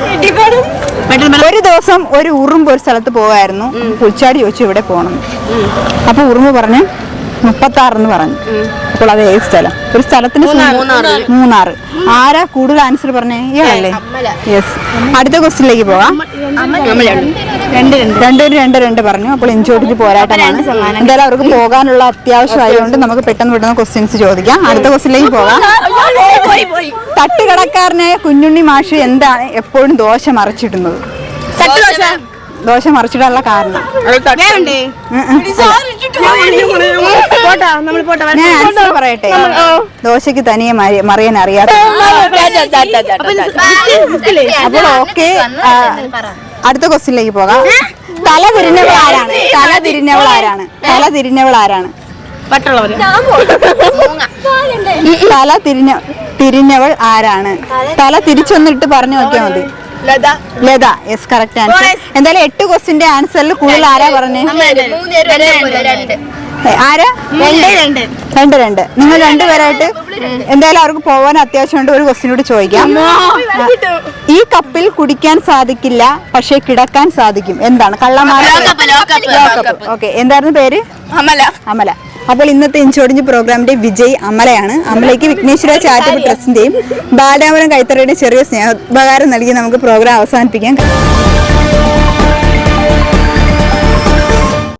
ഒരു ദിവസം ഒരു ഉറുമ്പ് ഒരു സ്ഥലത്ത് പോകായിരുന്നു. പുൽച്ചാടി ചോദിച്ചു ഇവിടെ പോകണം. അപ്പൊ ഉറുമ്പ് പറഞ്ഞു 36 എന്ന് പറഞ്ഞു. അപ്പോൾ അത് ഏത് സ്ഥലം? ഒരു സ്ഥലത്തിന് മൂന്നാറ്. ആരാ കൂടുതൽ ആൻസർ പറഞ്ഞേ? ഇയാളല്ലേ? യെസ്. അടുത്ത ക്വസ്റ്റ്യനിലേക്ക് പോകാം. രണ്ട് പറഞ്ഞു. അപ്പോൾ ഇഞ്ചോടിച്ച് പോരാട്ടമാണ്. എന്തായാലും അവർക്ക് പോകാനുള്ള അത്യാവശ്യമായതുകൊണ്ട് നമുക്ക് പെട്ടെന്ന് ക്വസ്റ്റ്യൻസ് ചോദിക്കാം. അടുത്ത ക്വസ്റ്റ്യനിലേക്ക് പോകാം. തട്ടുകടക്കാരനായ കുഞ്ഞുണ്ണി മാഷ് എന്താണ് എപ്പോഴും ദോശ മറിച്ചിടുന്നത്? ദോശ മറിച്ചിടാനുള്ള കാരണം ഞാൻ ആൻസർ പറയട്ടെ. ദോശക്ക് തനിയെ മറിയാൻ അറിയാത്ത. അപ്പോൾ ഓക്കെ, അടുത്ത ക്വസ്റ്റ്യനിലേക്ക് പോകാം. തല തിരിഞ്ഞവൾ ആരാണ്? തിരിഞ്ഞവൾ ആരാണ്? തല തിരിച്ചൊന്നിട്ട് പറഞ്ഞു നോക്കിയാൽ മതി. ലത. Yes, correct answer. എന്തായാലും 8 ക്വസ്റ്റ്യന്റെ ആൻസറിൽ കൂടുതൽ ആരാ പറഞ്ഞേ? ആരാ? 2. നിങ്ങൾ രണ്ടുപേരായിട്ട് എന്തായാലും അവർക്ക് പോകാൻ അത്യാവശ്യമുണ്ട്. ഒരു ക്വസ്റ്റ്യൻ കൂടി ചോദിക്കാം. ഈ കപ്പിൽ കുടിക്കാൻ സാധിക്കില്ല, പക്ഷെ കിടക്കാൻ സാധിക്കും. എന്താണ്? കള്ളന്മാർ. ഓക്കെ, എന്തായിരുന്നു പേര്? അമല. അപ്പോൾ ഇന്നത്തെ ഇഞ്ചോടിഞ്ച് പ്രോഗ്രാമിന്റെ വിജയ് അമലയാണ്. അമലയ്ക്ക് വിഘ്നേശ്വര ചാരിറ്റബിൾ ട്രസ്റ്റിന്റെയും ബാലരാമപുരം കൈത്തറയുടെയും ചെറിയ സ്നേഹോപകാരം നൽകി നമുക്ക് പ്രോഗ്രാം അവസാനിപ്പിക്കാം.